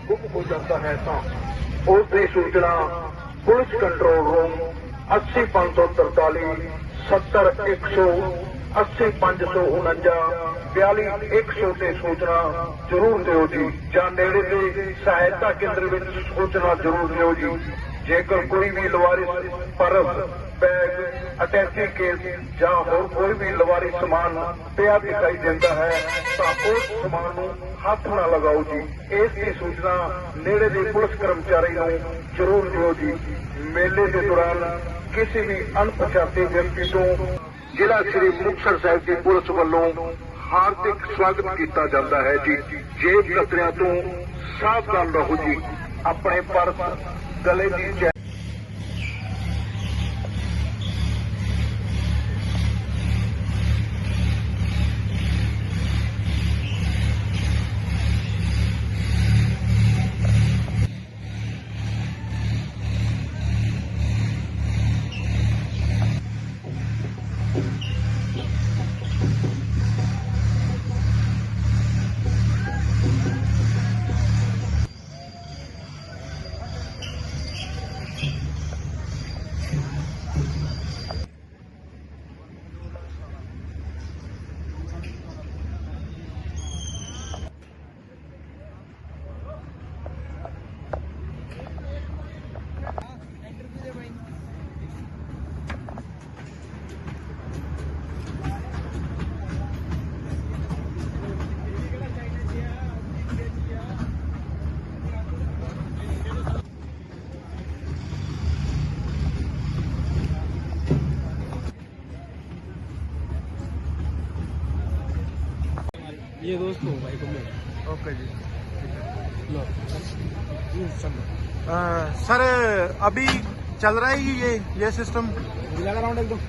गुम हो जाता है तो उसकी सूचना पुलिस कंट्रोल रूम 80 543 70 100 80 549 42 100 ਤੇ ਸੂਚਨਾ ਜ਼ਰੂਰ ਦਿਓ ਜੀ ਜਾਂ ਨੇੜੇ ਦੇ ਸਹਾਇਤਾ ਕੇਂਦਰ ਵਿੱਚ ਸੂਚਨਾ ਜ਼ਰੂਰ ਦਿਓ ਜੀ। ਜੇਕਰ ਕੋਈ ਵੀ ਲਵਾਰਿਸ ਪਰਸ बैग अटैची केस ਜਾਂ ਹੋਰ ਕੋਈ ਵੀ ਲਵਾਰੀ ਸਮਾਨ ਪਿਆ ਦਿਖਾਈ ਦਿੰਦਾ ਹੈ ਤਾਂ ਉਸ ਸਮਾਨ ਨੂੰ ਹੱਥ ਨਾ ਲਗਾਓ ਜੀ। ਇਸ ਦੀ ਸੂਚਨਾ ਨੇੜੇ ਦੇ ਪੁਲਿਸ ਕਰਮਚਾਰੀ ਨੂੰ ਜ਼ਰੂਰ ਦਿਓ ਜੀ। ਮੇਲੇ ਦੇ ਦੌਰਾਨ ਕਿਸੇ ਵੀ ਅਣਪਛਾਤੇ ਵਿਅਕਤੀ ਤੋਂ ਜ਼ਿਲ੍ਹਾ ਸ੍ਰੀ ਮੁਕਤਸਰ ਸਾਹਿਬ ਦੀ ਪੁਲਿਸ ਵੱਲੋਂ ਹਾਰਦਿਕ ਸਵਾਗਤ ਕੀਤਾ ਜਾਂਦਾ ਹੈ ਜੀ। ਜੇਬ ਕਤਰਿਆਂ ਤੋਂ ਸਾਵਧਾਨ ਰਹੋ ਜੀ। ਆਪਣੇ ਪਰਸ ਗਲੇ ਦੀ ये दोस्त हो भाई को मेरा। ओके जी। लो चलो सर अभी चल रहा है ये सिस्टम? लगा राउंड एकदम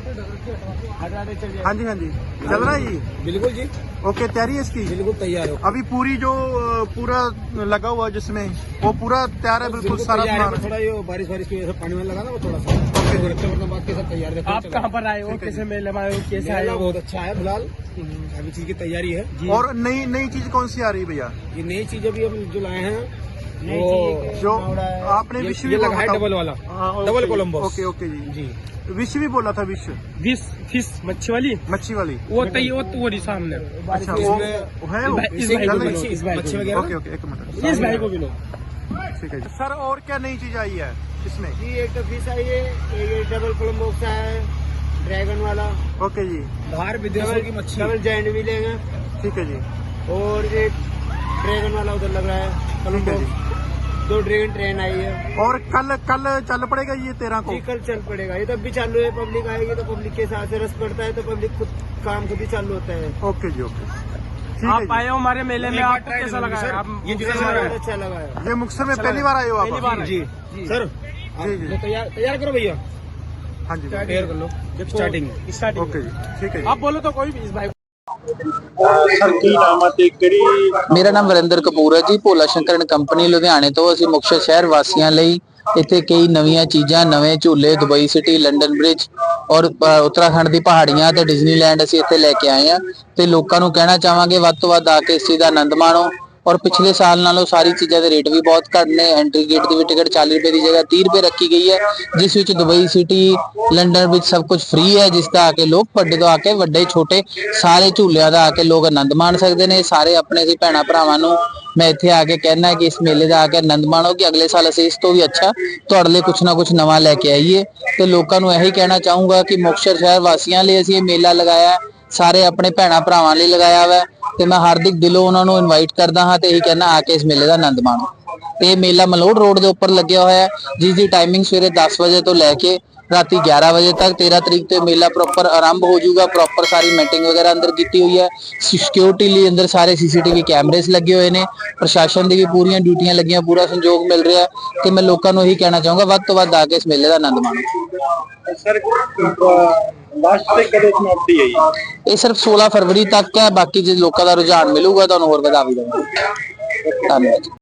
हाँ जी हाँ जी चल रहा है जी। बिल्कुल जी ओके तैयारी है इसकी? बिल्कुल तैयार हो। अभी पूरी जो पूरा लगा हुआ जिसमें वो पूरा तैयार है बिल्कुल सारा सामान? थोड़ा ये बारिश की वजह से पानी में लगा ना वो थोड़ा सा बाकी सब तैयार है। आप कहाँ पर आए हो, कैसे मेले में आए हो, कैसे आए हो? बहुत अच्छा है फिलहाल अभी चीज की तैयारी है। और नई चीज कौन सी आ रही है भैया? ये नई चीज अभी हम जो लाए हैं वो जो आपने विश्व ये लगा है डबल वाला डबल कोलम्बो। ओके ओके जी जी विश्व भी बोला था विश्व फिश मच्छी वाली वो वो सामने। अच्छा वो है वो? मच्छी वगैरह। ओके ओके एक मिनट इस भाई को भी लो। ठीक है जी। सर और क्या नई चीज आई है इसमें? जी एक तो फिश आई है, ये डबल कोलम्बो है ड्रैगन वाला। ओके जी। बाहर विदेशों की मच्छी डबल जायंट भी लेंगे। ठीक है जी। और एक ड्रैगन वाला उधर लग रहा है कोलम्बो। 2 ड्रैगन ट्रेन आई है। और कल चल पड़ेगा ये 13 को? जी कल चल पड़ेगा। ये तब भी चालू है, पब्लिक आएगी तो पब्लिक के साथ से रस पड़ता है तो पब्लिक खुद ही चालू होता है। ओके जी ओके। आप आए हो हमारे मेले में, आपको कैसा लगा है? ये बहुत अच्छा लगा है। ये मुक्तसर में पहली बार आए हो आप? पहली बार जी सर जी तैयार करो भैया। हाँ जी तैयार कर लो स्टार्टिंग। ओके जी ठीक है जी। आप बोलो तो कोई भी इस भाई ਸਰ ਕੀ ਨਾਮ ਹੈ ਤੇ ਕਿਹੜੀ? ਮੇਰਾ ਨਾਮ ਵਰਿੰਦਰ ਕਪੂਰ ਹੈ ਜੀ। ਭੋਲਾ ਸ਼ੰਕਰ ਐਂਡ ਕੰਪਨੀ ਲੁਧਿਆਣੇ ਤੋਂ। ਅਸੀਂ ਮੁਕਤਸਰ ਸ਼ਹਿਰ ਵਾਸੀਆਂ ਲਈ ਇੱਥੇ ਕਈ ਨਵੀਆਂ ਚੀਜ਼ਾਂ, ਨਵੇਂ ਝੂਲੇ, ਦੁਬਈ ਸਿਟੀ, ਲੰਡਨ ਬ੍ਰਿਜ ਔਰ ਉੱਤਰਾਖੰਡ ਦੀ ਪਹਾੜੀਆਂ ਤੇ ਡਿਜ਼ਨੀਲੈਂਡ ਅਸੀਂ ਇੱਥੇ ਲੈ ਕੇ ਆਏ ਹਾਂ ਤੇ ਲੋਕਾਂ ਨੂੰ ਕਹਿਣਾ ਚਾਹਾਂਗੇ ਵੱਧ ਤੋਂ ਵੱਧ ਆ ਕੇ ਇਸ ਚੀਜ਼ ਦਾ ਆਨੰਦ ਮਾਣੋ। और पिछले साल नालों सारी चीज़ों के रेट भी बहुत घट ने। एंट्री गेट की भी टिकट 40 रुपए की जगह 30 रुपए रखी गई है, जिस विच दुबई सिटी, लंडन विच सब कुछ फ्री है, जिसका आके लोग वड्डे तो आके वड्डे छोटे सारे झूलियां का आके लोग आनंद मान सकते हैं। सारे अपने सी भैन भरावां नूं मैं इत्थे आके कहना है कि इस मेले का आके आनंद माणो कि अगले साल असीं इस तो भी अच्छा तुहाडे लई कुछ ना कुछ नवां लैके आईए। तो लोगों नूं यही कहना चाहूँगा कि मुक्तसर शहर वासियों लिए असीं ये मेला लगाया, सारे अपने भैन भरावां लई लगाया हुआ ते मैं हार्दिक दिलों उन्होंने इनवाइट करदा हाँ ते यही कहना आके इस मेले का आनंद माणो। ये मेला मलोड़ रोड के उपर लग्या होया है, जिसकी टाइमिंग सवेरे 10 बजे तो लैके राती 11 बजे तक। 13 तरीक तो मेला प्रॉपर आरंभ हो जाऊगा। प्रॉपर सारी मीटिंग वगैरह अंदर की हुई है। सिक्योरिटी लिए अंदर सारे CCTV कैमरेस लगे हुए हैं। प्रशासन की भी पूरी ड्यूटियां लगियां, पूरा संयोग मिल रहा है। तो मैं लोगों को यही कहना चाहूँगा वध तो वध आके इस मेले का आनंद माणो। सर ये सिर्फ 16 फरवरी तक है, बाकी जो लोगों का रुझान मिलूगा तो होर वधा भी दूंगा। धन्यवाद।